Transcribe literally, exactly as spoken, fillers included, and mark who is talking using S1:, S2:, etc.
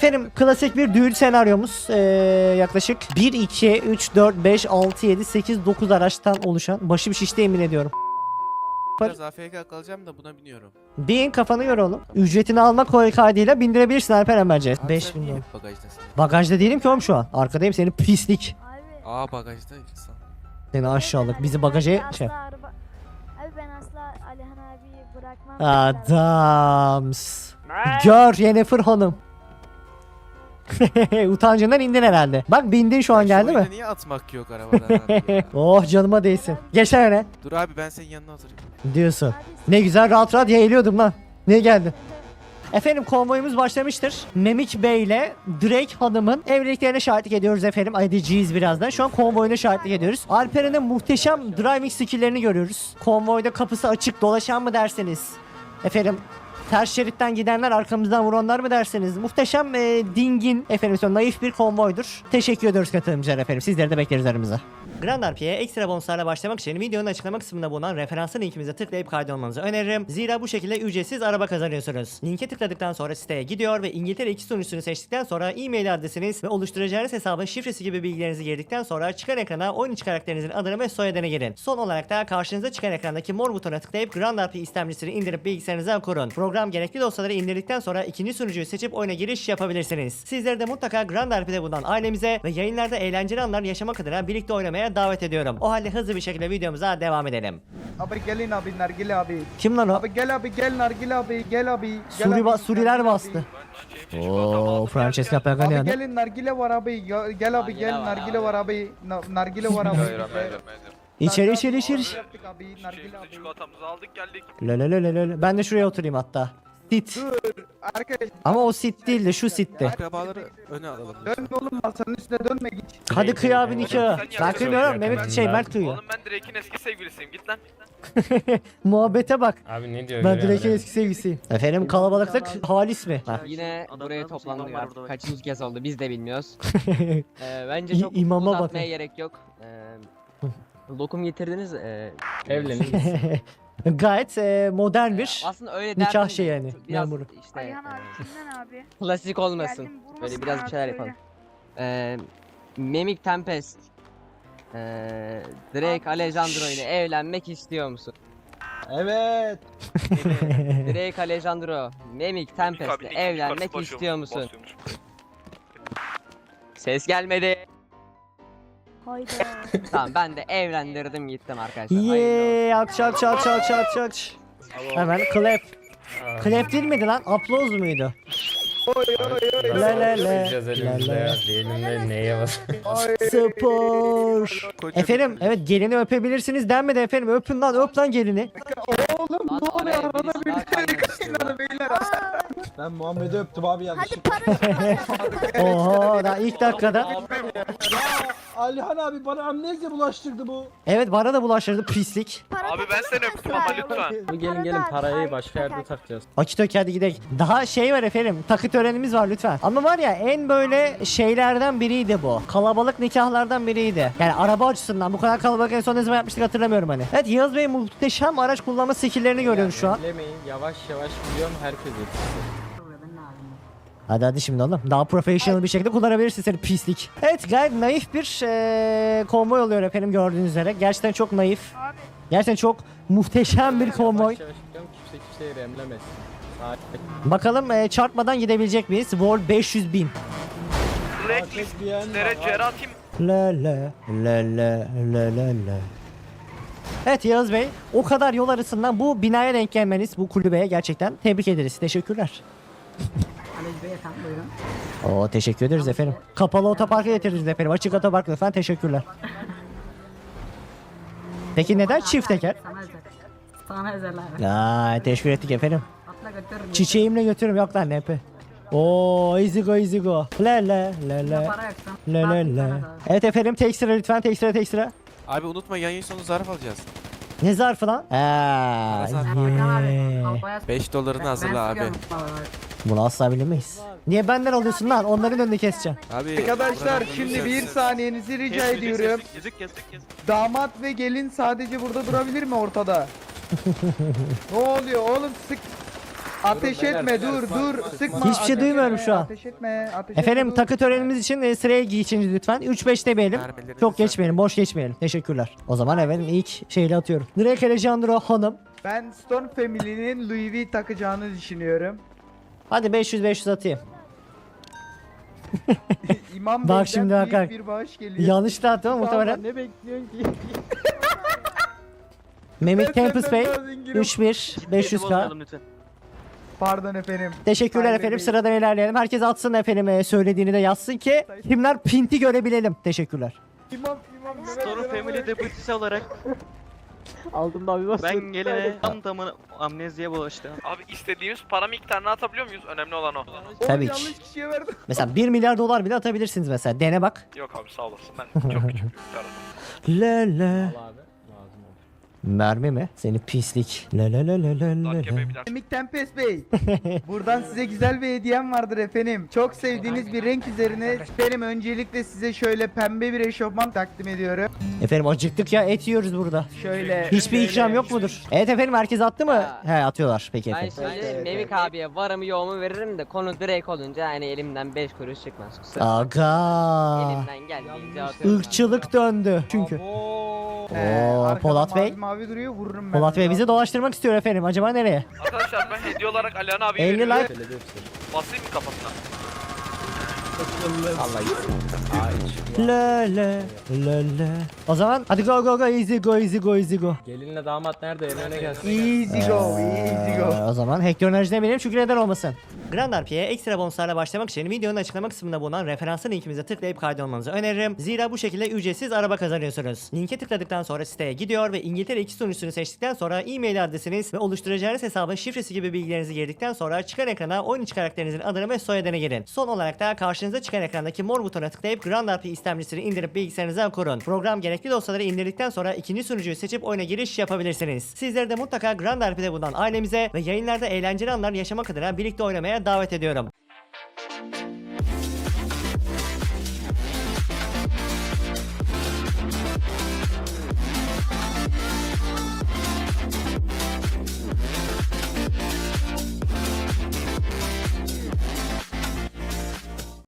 S1: Efendim klasik bir düğün senaryomuz. Ee, yaklaşık bir, iki, üç, dört, beş, altı, yedi, sekiz, dokuz araçtan oluşan. Başım şişti yemin ediyorum.
S2: Biraz A F K kalacağım da buna biniyorum.
S1: Bin kafanı göre oğlum. Ücretini almak kaydıyla bindirebilirsin Alperen bence.
S2: Abi
S1: beş
S2: sen
S1: bin
S2: niye
S1: dolar.
S2: hep bagajdasın?
S1: Bagajda değilim ki oğlum şu an. Arkadayım senin pislik.
S3: Abi.
S2: Aa bagajda insan.
S1: Seni aşağılık. Bizi
S3: Ben
S1: bagaja
S3: asla
S1: şey.
S3: araba- Abi ben asla Alihan abiyi bırakmam.
S1: Adams. Gör Yennefer Hanım. Utancından indin herhalde. Bak bindin şu an
S2: Şu
S1: geldi mi?
S2: oyunda niye atmak yok arabadan abi ya?
S1: Oh canıma değsin. Geç öne.
S2: Dur abi ben senin yanına oturayım.
S1: Diyorsun.
S3: Abi,
S1: Ne güzel rahat rahat yeğliyordum lan. Niye geldin? Efendim konvoyumuz başlamıştır. Memik Bey ile Drake Hanım'ın evliliklerine şahitlik ediyoruz efendim. Edeceğiz birazdan. Şu an konvoyuna şahitlik ediyoruz. Alperen'in muhteşem driving skill'lerini görüyoruz. Konvoyda kapısı açık dolaşan mı derseniz. Efendim ters şeritten gidenler arkamızdan vuranlar mı derseniz. Muhteşem e, dingin efendim son naif bir konvoydur. Teşekkür ediyoruz katılımcılar efendim. Sizleri de bekleriz aramıza. Grand R P'ye ekstra bonuslarla başlamak için videonun açıklama kısmında bulunan referanslı linkimize tıklayıp kaydolmanızı öneririm. Zira bu şekilde ücretsiz araba kazanıyorsunuz. Linke tıkladıktan sonra siteye gidiyor ve İngiltere iki sunucusunu seçtikten sonra e-mail adresiniz ve oluşturacağınız hesabın şifresi gibi bilgilerinizi girdikten sonra çıkan ekrana oyun içi karakterinizin adını ve soyadını girin. Son olarak da karşınıza çıkan ekrandaki mor butona tıklayıp Grand R P istemcisini indirip bilgisayarınıza kurun. Program gerekli dosyaları indirdikten sonra ikinci sunucuyu seçip oyuna giriş yapabilirsiniz. Sizleri de mutlaka Grand R P'de bulunan ailemize ve yayınlarda eğlenceli anlar yaşamak adına birlikte oynamaya davet ediyorum. O halde hızlı bir şekilde videomuza devam edelim.
S4: Abi gelin abi Nargile abi.
S1: Kim lan o?
S4: Abi gel abi gel Nargile abi gel abi. Gel
S1: Suri
S4: abi,
S1: ba Suriler
S4: Nargile
S1: bastı.
S4: abi.
S1: Oo, Francesca Pagani.
S4: Abi gelin Nargile var abi. Ya- Gel abi gel Nargile var abi. Na- Nargile var abi.
S1: İçeri içeri içeri.
S4: Yaptık abi Nargile abi.
S5: Çikolatamızı aldık geldik.
S1: Lelelelelele. Ben de şuraya oturayım hatta. Sit.
S4: Arkadaş
S1: Ama o sit değil de şu sitti.
S2: Akrabaları öne alalım.
S4: dönme oğlum masanın üstüne dönme git.
S1: Hadi kıy abi nikahı. Ben kıymıyorum. Mehmet şey Mert kıyıyor.
S5: Oğlum ben Drake'in eski sevgilisiyim git lan.
S1: Muhabbete bak.
S6: Abi ne diyor?
S1: Ben
S6: görüyor
S1: Drake'in
S6: musun?
S1: eski sevgisiyim. Efendim kalabalıklık halis mi? Ha.
S7: Yine buraya toplandık artık. Kaçıncı kez oldu biz de bilmiyoruz. Ee, bence
S1: İ-
S7: çok
S1: imama
S7: uzatmaya
S1: bakın.
S7: gerek yok. Ee, lokum getirdiniz. Ee,
S6: Evlenin.
S1: Gayet e, modern bir
S7: aslında öyle
S1: nikah
S7: derdim
S1: şey
S7: de
S1: yani,
S7: Biraz
S1: memuru.
S7: işte
S3: Alihan abi
S7: e,
S3: kimden abi?
S7: klasik olmasın.
S3: Geldim, vurmasın
S7: Böyle biraz bir
S3: abi,
S7: şeyler
S3: söyle.
S7: yapalım. Ee, Mimic Tempest. Ee, Drake
S3: Abi,
S7: Alejandro ile evlenmek istiyor musun?
S4: Evet.
S7: Drake Alejandro, Mimic Tempest ile evlenmek istiyor musun? Ses gelmedi.
S3: Hayda.
S7: Tamam ben de evlendirdim gittim arkadaşlar. Hayırlı olsun.
S1: Yeee alkış alkış alkış alkış alkış alkış. Hemen clap. Clap değil miydi lan? Upload muydu?
S4: Oy oy oy.
S1: La la la.
S6: Sıcağız elimizde
S1: La la.
S6: ya. Elimde neye bas?
S4: Ay.
S1: Spor.
S2: Koca
S1: Efendim evet gelini öpebilirsiniz denmedi efendim. Öpün lan öp lan gelini.
S4: Oğlum
S7: Lan
S4: ne oluyor
S7: araya
S4: arada
S7: birisi
S4: bir
S7: daha kaynak istiyor.
S4: kaçın beyler.
S8: Ben Muhammed'i öptüm abi
S3: Hadi
S8: yanlışlıkla.
S3: para.
S1: Oho daha ilk dakikada.
S8: Ya Alihan abi bana amnezya bulaştırdı bu.
S1: Evet bana da bulaştırdı pislik.
S5: Abi ben seni öptüm ama lütfen.
S8: Bu gelin gelin parayı başka yerde takacağız.
S1: Akitök hadi gidelim. Daha şey var efendim. Takı törenimiz var lütfen. Ama var ya en böyle şeylerden biriydi bu. Kalabalık nikahlardan biriydi. Yani araba açısından bu kadar kalabalık en son ne zaman yapmıştık hatırlamıyorum hani. Evet Yağız Bey muhteşem araç kullanma skilllerini görüyoruz şu an.
S8: Bilemeyin yavaş yavaş biliyorum herkes yetişsin.
S1: Hadi hadi şimdi oğlum. Daha professional bir şekilde kullanabilirsin seni pislik. Evet gayet naif bir eee konvoy oluyor efendim gördüğünüz üzere. Gerçekten çok naif.
S3: Abi
S1: Gerçekten çok muhteşem bir konvoy.
S8: Yavaş yavaş gidiyorum kimse kimseye remlemesin. Sakin.
S1: Bakalım eee, çarpmadan gidebilecek miyiz? Wall beş yüz bin.
S5: Drake
S8: Herkes bir yan
S5: listlere
S8: var.
S5: Cera atayım.
S1: La la la la la la la. Evet Yağız Bey, o kadar yol arasından bu binaya denk gelmeniz, bu kulübeye gerçekten tebrik ederiz. Teşekkürler. Oo teşekkür ederiz efendim. Kapalı otoparka getiririz efendim. Açık otopark lütfen teşekkürler. Peki neden çift teker?
S9: Sana özel. Sana özel abi.
S1: Aa, teşekkür ettik efendim.
S9: Atla götürürüm.
S1: Çiçeğimle götürürüm yok lan nepe. Oo easy go easy go. La la la la.
S9: Para yoksa.
S1: La la la. Evet efendim tek sıra lütfen tek sıra tek sıra.
S2: Abi unutma yayın sonu zarf alacağız.
S1: Ne zarfı lan? Aa,
S2: zarfı.
S1: yeah.
S2: beş dolarını hazırla abi.
S1: Bunu asla bilemeyiz. Niye benden alıyorsun lan? Onların önünü keseceğim.
S2: Abi
S4: Arkadaşlar
S2: buranın
S4: şimdi
S2: önünü
S4: bir
S2: kessin.
S4: saniyenizi rica ediyorum.
S5: Yüzük kestik kestik.
S4: Damat ve gelin sadece burada durabilir mi ortada? Ne oluyor oğlum sık. Ateş
S6: Durun
S4: etme
S6: beyler,
S4: dur
S6: sıkma,
S4: dur
S6: sıkma,
S4: sıkma.
S6: sıkma.
S1: Hiçbir şey
S4: Ateş
S1: duymuyorum
S4: etme,
S1: şu an.
S4: Ateş etme ateş
S1: Efendim
S4: etme,
S1: takı
S4: dur.
S1: törenimiz için e, sıraya geçin lütfen. üç beş demeyelim.
S2: Mermilerinizi
S1: Çok
S2: sen-
S1: geçmeyelim, boş geçmeyelim. Teşekkürler. O zaman efendim ilk şeyle atıyorum. Drake Alejandro hanım.
S4: Ben Stone Family'nin Louis V takacağını düşünüyorum.
S1: Hadi beş yüz beş yüz atayım.
S4: İmam
S1: Bak
S4: Bey'den
S1: şimdi
S4: büyük
S1: bakar.
S4: bir bağış geliyor.
S1: Yanlış da attım ama muhtemelen.
S8: Ne bekliyorsun ki?
S1: Mehmet
S4: Ben
S1: Tempest
S4: senden
S1: Bey.
S4: daha zenginim.
S1: üç bir beş yüz k.
S4: Pardon efendim.
S1: Teşekkürler
S4: Saygı
S1: efendim.
S4: Bey.
S1: Sıradan ilerleyelim. Herkes atsın efendim e, söylediğini de yazsın ki kimler pinti görebilelim. Teşekkürler.
S4: İmam İmam Mehmet
S10: Storm
S4: Bey
S10: Family
S4: abi.
S10: Deputy'si olarak
S8: Aldım da bir bas.
S10: ben gelene tam tamına amneziye bulaştı.
S5: Abi istediğimiz para miktarını atabiliyor muyuz? Önemli olan o.
S4: Oğlum,
S1: Tabii ki.
S4: yanlış kişiye verdim.
S1: Mesela bir milyar dolar bile atabilirsiniz mesela. Dene bak.
S5: Yok abi sağ olasın ben çok küçük bir miktar.
S1: La la.
S6: Al abi. Lazım olur.
S1: Mermi mi? Seni pislik. La la la la la la
S5: Dark
S1: la.
S5: Ebe'ye bir daha.
S4: Mimik Tempest Bey. Buradan size güzel bir hediyem vardır efendim. Çok sevdiğiniz bir renk üzerine efendim öncelikle size şöyle pembe bir eşofman takdim ediyorum.
S1: Efendim acıktık ya, et yiyoruz burada.
S4: Şöyle
S1: Hiçbir
S4: şöyle-
S1: ikram yok mudur? Evet efendim, herkes attı mı?
S7: Ya.
S1: He, atıyorlar. Peki
S7: Ben
S1: efendim.
S7: şimdi
S4: Evet,
S7: Memik
S4: evet.
S7: abiye varımı yoğumu veririm de konu Drake olunca hani elimden beş kuruş çıkmaz. Kusura.
S1: Aga.
S7: Elimden geldiğince atıyorum.
S1: Irkçılık döndü çünkü.
S4: Ee,
S1: Oo,
S4: arkada
S1: Polat Bey.
S4: Mavi, mavi duruyor vururum ben.
S1: Polat Bey
S4: bunu.
S1: bizi dolaştırmak istiyor efendim. Acaba nereye?
S5: Arkadaşlar ben hediye olarak Alihan abi
S1: elli
S5: veriyorum.
S1: like.
S6: Söyledi hepsi.
S5: Basayım mı kafasına?
S6: Allah gitsin. Aa hiç.
S1: La la la la. O zaman hadi go go go, easy go easy go easy go.
S6: Gelinle damat nerede? En öne gelsin.
S4: Easy go, easy go.
S1: Ee, o zaman Hector enerji demeyelim çünkü neden olmasın. Grand R P'ye ekstra bonuslarla başlamak için videonun açıklama kısmında bulunan referanslı linkimize tıklayıp kaydolmanızı öneririm. Zira bu şekilde ücretsiz araba kazanıyorsunuz. Linke tıkladıktan sonra siteye gidiyor ve İngiltere iki sunucusunu seçtikten sonra e-mail adresiniz ve oluşturacağınız hesabın şifresi gibi bilgilerinizi girdikten sonra çıkan ekrana oyun içi karakterinizin adını ve soyadını girin. Son olarak da karşınıza çıkan ekrandaki mor butona tıklayıp Grand R P istemcisini indirip bilgisayarınıza kurun. Program gerekli dosyaları indirdikten sonra ikinci sunucuyu seçip oyuna giriş yapabilirsiniz. Sizleri de mutlaka Grand R P'de bulunan ailemize ve yayınlarda eğlenceli anlar yaşamak adına birlikte oynamaya davet ediyorum.